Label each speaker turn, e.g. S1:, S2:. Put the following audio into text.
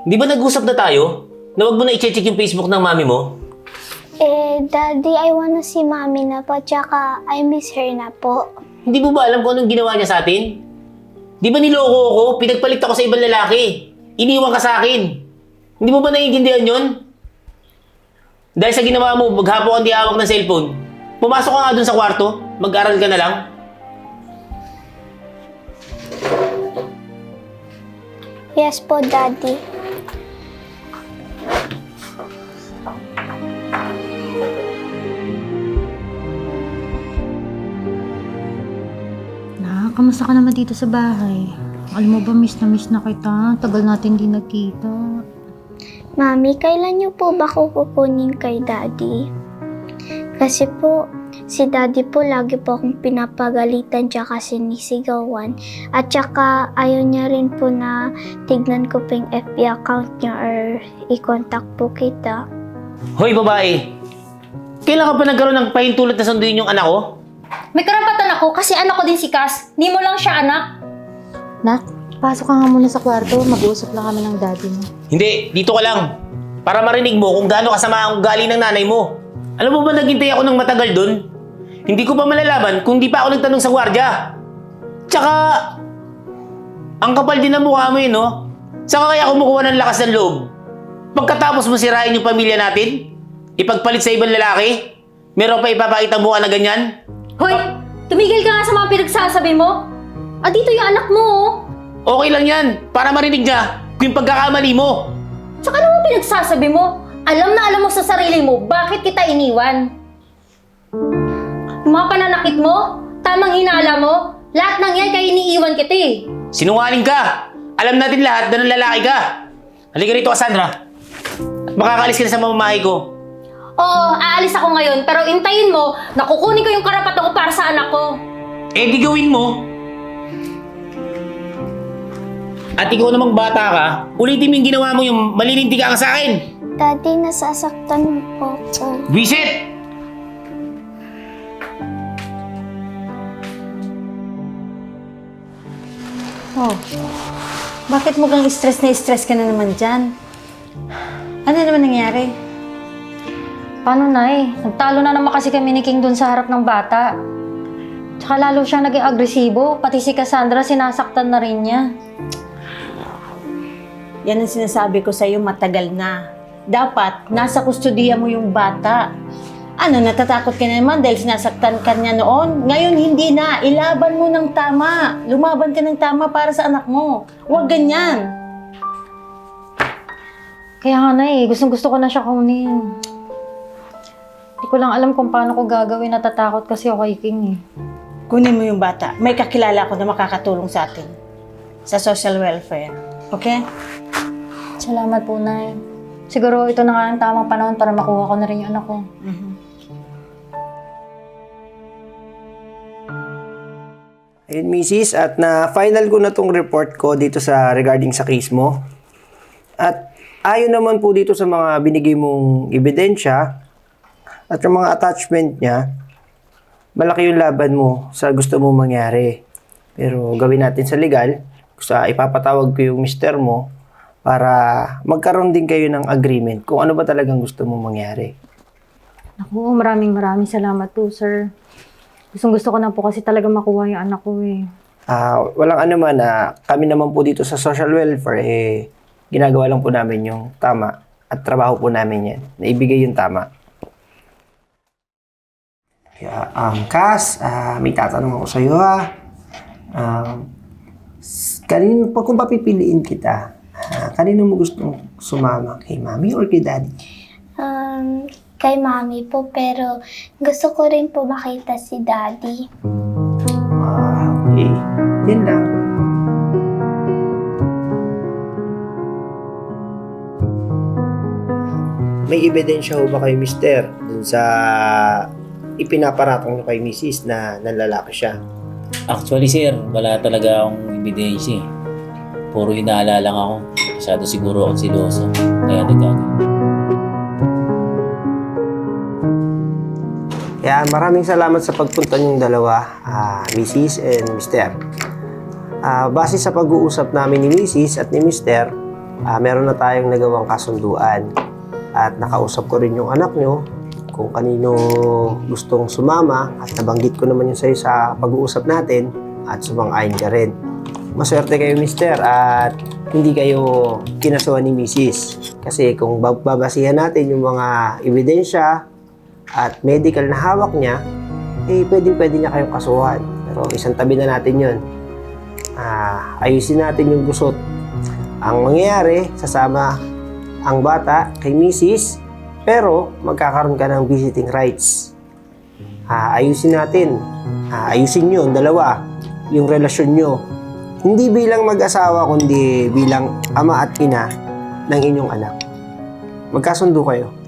S1: Di ba nag-usap na tayo? Na wag mo na i-check yung Facebook ng mami mo?
S2: Daddy, I wanna see Mommy na po, tsaka I miss her na po.
S1: Hindi mo ba alam kung anong ginawa niya sa atin? Di ba niloko ako? Pinagpalit ako sa ibang lalaki. Iniwan ka sa akin. Hindi mo ba naiintindihan yun? Dahil sa ginawa mo, maghapon kang di hawak ng cellphone. Pumasok ka nga dun sa kwarto, mag-aral ka na lang.
S2: Yes po, Daddy.
S3: Kamusta ka naman dito sa bahay? Alam mo ba, miss na kita. Tagal natin di nagkita.
S2: Mami, kailan niyo po ba ko kukunin kay Daddy? Kasi po, si Daddy po lagi po akong pinapagalitan tsaka sinisigawan. At tsaka ayaw niya rin po na tignan ko po yung FB account niya or i-contact po kita.
S1: Hoy babae! Kailan ka pa nagkaroon ng pahintulot na sunduin yung anak ko?
S4: May karapatan ako kasi anak ko din si Cass. Di mo lang siya anak.
S3: Nak, pasok ka nga muna sa kwarto. Mag-uusap lang kami ng daddy mo.
S1: Hindi, dito ka lang. Para marinig mo kung gaano kasama ang ugali ng nanay mo. Alam mo ba naghintay ako ng matagal dun? Hindi ko pa malalaman kung di pa ako nagtanong sa gwardya. Tsaka, ang kapal din ng mukha mo yun, no? Saka kaya kumukuha ng lakas ng loob. Pagkatapos mo sirain yung pamilya natin, ipagpalit sa ibang lalaki, meron pa ipapakita mukha na ganyan?
S4: Hoy, tumigil ka nga sa mga pinagsasabi mo. Dito yung anak mo, oh.
S1: Okay lang yan, para marinig niya kung yung pagkakamali mo.
S4: Tsaka ano mo pinagsasabi mo? Alam na alam mo sa sarili mo, bakit kita iniwan? Yung mga pananakit mo, tamang hinala mo, lahat ng yan kaya iniiwan kita eh.
S1: Sinungaling ka! Alam natin lahat na ng lalaki ka. Halika rito, Cassandra. At makakaalis ka na sa mamamahay ko.
S4: Oo, aalis ako ngayon, pero intayin mo na kukunin ko yung karapatan ko para sa anak ko.
S1: Eh, di gawin mo. At ikaw namang bata ka, ulitin mo yung ginawa mo yung malilinti ka sa akin.
S2: Daddy, nasasaktan mo po ako.
S1: Visit!
S3: Oh, bakit mukhang stress ka na naman dyan? Ano naman nangyari?
S4: Paano, Nay? Nagtalo na naman kasi kami ni King dun sa harap ng bata. Tsaka lalo siyang naging agresibo, pati si Cassandra sinasaktan na rin niya.
S5: Yan ang sinasabi ko sa'yo matagal na. Dapat, nasa kustodiya mo yung bata. Ano, natatakot ka na naman dahil sinasaktan ka niya noon? Ngayon, hindi na. Ilaban mo ng tama. Lumaban ka ng tama para sa anak mo. Huwag ganyan.
S4: Kaya nga, Nay, gustong-gusto ko na siya kunin. Hindi ko lang alam kung paano ko gagawin. Natatakot kasi ako kay King eh.
S5: Kunin mo yung bata. May kakilala ko na makakatulong sa atin. Sa social welfare. Okay?
S4: Salamat po, Nay. Siguro ito na nga ang tamang panahon para makuha ko na rin yung anak ko.
S6: Ayun, Mrs. At na-final ko na tong report ko dito sa regarding sa case mo. At ayon naman po dito sa mga binigay mong ebidensya at yung mga attachment niya, malaki yung laban mo sa gusto mong mangyari. Pero gawin natin sa legal, ipapatawag ko yung mister mo para magkaroon din kayo ng agreement kung ano ba talagang gusto mong mangyari.
S4: Naku, maraming salamat po, sir. Gustong-gusto ko na po kasi talaga makuha yung anak ko eh.
S6: Walang ano man, kami naman po dito sa social welfare, ginagawa lang po namin yung tama at trabaho po namin yan, na ibigay yung tama. Kaya, Cass, may tatanong ako sa'yo ha. Kung papipiliin kita, kanino mo gustong sumama? Kay mami or kay daddy?
S2: Kay Mami po, pero gusto ko rin po makita si Daddy.
S6: Okay. Yan lang. May ebidensya ho ba kayo, mister, dun sa ipinaparatong nyo kay Mrs. na nanlalaki siya?
S7: Actually, sir, wala talaga akong ebidensya eh. Puro hinala lang ako. Masyado siguro akong siloso. Kaya nagkagawa.
S6: Kaya maraming salamat sa pagpunta niyong dalawa, Mrs. and Mr. Base sa pag-uusap namin ni Mrs. at ni Mr., meron na tayong nagawang kasunduan. At nakausap ko rin yung anak nyo kung kanino gustong sumama at nabanggit ko naman yun sa'yo sa pag-uusap natin at sumang-ayon ka rin. Maswerte kayo, mister, at hindi kayo kinasuhan ni misis. Kasi kung babasihan natin yung mga ebidensya at medical na hawak niya, pwede niya kayong kasuhan. Pero isang tabi na natin yun. Ayusin natin yung gusot. Ang mangyayari, sasama ang bata kay misis, pero magkakaroon ka ng visiting rights. Ayusin natin. Ayusin nyo, dalawa, yung relasyon nyo. Hindi bilang mag-asawa, kundi bilang ama at ina ng inyong anak. Magkasundo kayo.